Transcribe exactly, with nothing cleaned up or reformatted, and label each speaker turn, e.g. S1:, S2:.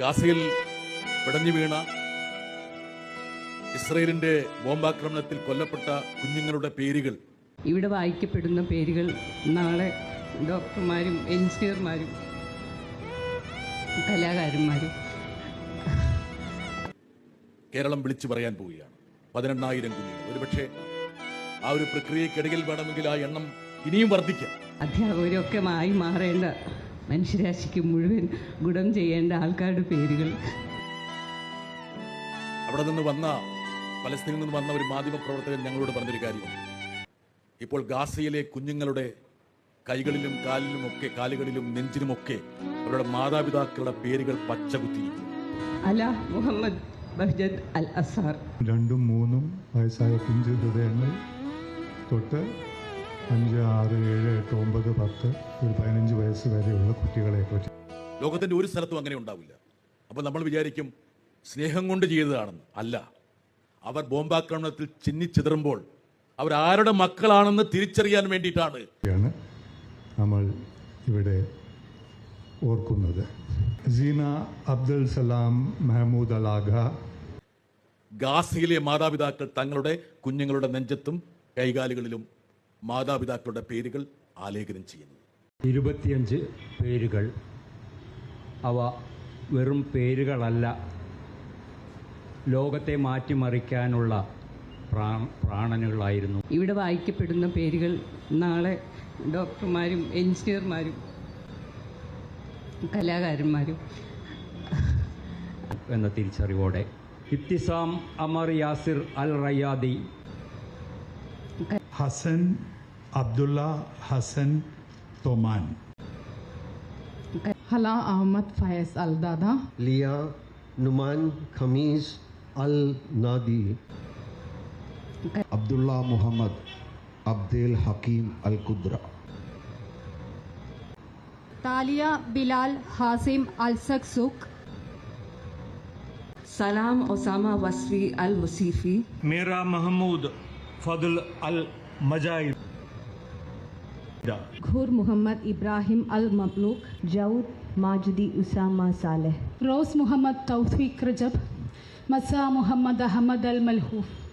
S1: ഗാസയിൽ പിടഞ്ഞു വീണ ഇസ്രയേലിന്റെ ബോംബാക്രമണത്തിൽ കൊല്ലപ്പെട്ട കുഞ്ഞുങ്ങളുടെ പേരുകൾ
S2: ഇവിടെ വായിക്കപ്പെടുന്ന പേരുകൾ നാളെ ഡോക്ടർമാരും എഞ്ചിനീയർമാരും കലാകാരന്മാരും
S1: കേരളം വിളിച്ചു പറയാൻ പോവുകയാണ്. പതിനെണ്ണായിരം കുഞ്ഞുങ്ങൾ. ഒരുപക്ഷെ ആ ഒരു പ്രക്രിയക്കിടയിൽ വേണമെങ്കിൽ ആ എണ്ണം ഇനിയും വർദ്ധിക്കാം.
S2: അധ്യാപകരൊക്കെ ആയി മാറേണ്ട മനുഷ്യരാശിക്ക് മുഴുവൻ ഗുണം ചെയ്യേണ്ട ആൾക്കാരുടെ പേരുകൾ.
S1: അവിടെ നിന്ന് വന്ന പലസ്തീനിൽ നിന്ന് വന്ന ഒരു മാധ്യമ പ്രവർത്തകൻ ഞങ്ങളോട് പറഞ്ഞൊരു കാര്യമാണ്. ഇപ്പോൾ ഗാസയിലെ കുഞ്ഞുങ്ങളുടെ കൈകളിലും കാലിലും ഒക്കെ കാലുകളിലും നെഞ്ചിലുമൊക്കെ അവരുടെ മാതാപിതാക്കളുടെ പേരുകൾ പച്ചകുത്തിയിരിക്കും.
S2: അല മുഹമ്മദ് ബഹ്ജദ് അൽ അസാർ.
S3: രണ്ടും മൂന്നും വയസ്സായ പിഞ്ചു ഹൃദയങ്ങൾ തൊട്ട് അഞ്ച് ആറ് ഏഴ് എട്ട് ഒമ്പത് പത്ത് ഒരു പതിനഞ്ച് വയസ്സ് വരെയുള്ള കുട്ടികളെ പറ്റി
S1: ലോകത്തിന്റെ ഒരു സ്ഥലത്തും അങ്ങനെ ഉണ്ടാവില്ല. അപ്പോൾ നമ്മൾ വിചാരിക്കും സ്നേഹം കൊണ്ട് ചെയ്തതാണെന്ന്. അല്ല, അവർ ബോംബാക്രമണത്തിൽ ചിന്നിച്ചിതറുമ്പോൾ അവരാരുടെ മക്കളാണെന്ന് തിരിച്ചറിയാൻ വേണ്ടിയിട്ടാണ്
S3: നമ്മൾ ഇവിടെ ഓർക്കുന്നത്. Sina Abdul Salam Mahmoud Alagha.
S1: ഗാസയിലെ മാതാപിതാക്കൾ തങ്ങളുടെ കുഞ്ഞുങ്ങളുടെ നെഞ്ചത്തും കൈകാലുകളിലും മാതാപിതാക്കളുടെ പേരുകൾ ആലേഖനം ചെയ്യുന്നു.
S4: ഇരുപത്തിയഞ്ച് പേരുകൾ. അവ വെറും പേരുകളല്ല, ലോകത്തെ മാറ്റിമറിക്കാനുള്ള പ്രാണനുകളായിരുന്നു.
S2: ഇവിടെ വായിക്കപ്പെടുന്ന പേരുകൾ നാളെ ഡോക്ടർമാരും എഞ്ചിനീയർമാരും കലാകാരന്മാരും
S4: എന്ന തിരിച്ചറിവോടെ Ibtisam Amr Yasir Al Riyadi,
S3: Hassan Abdullah Hassan Thoman,
S5: Hala Ahmed Fayez Al Dada,
S6: Lia Numan Khamis Al Nadi,
S7: Abdullah Mohammed Abdul Hakim Al Khudra,
S5: Talia Bilal Hazim Al Saksuk,
S2: Salam Osama Wasfi Al Musifi,
S8: Mira Mahmoud Fadel Al Majayida,
S9: Khour Mohammed Ibrahim Al മബ്ലൂഖ്, Joud Majudi Usama Saleh,
S5: Rose Mohammed Tawfiq Rajab, Maza Mohammed Ahmed Al മൽഹൂഫ്.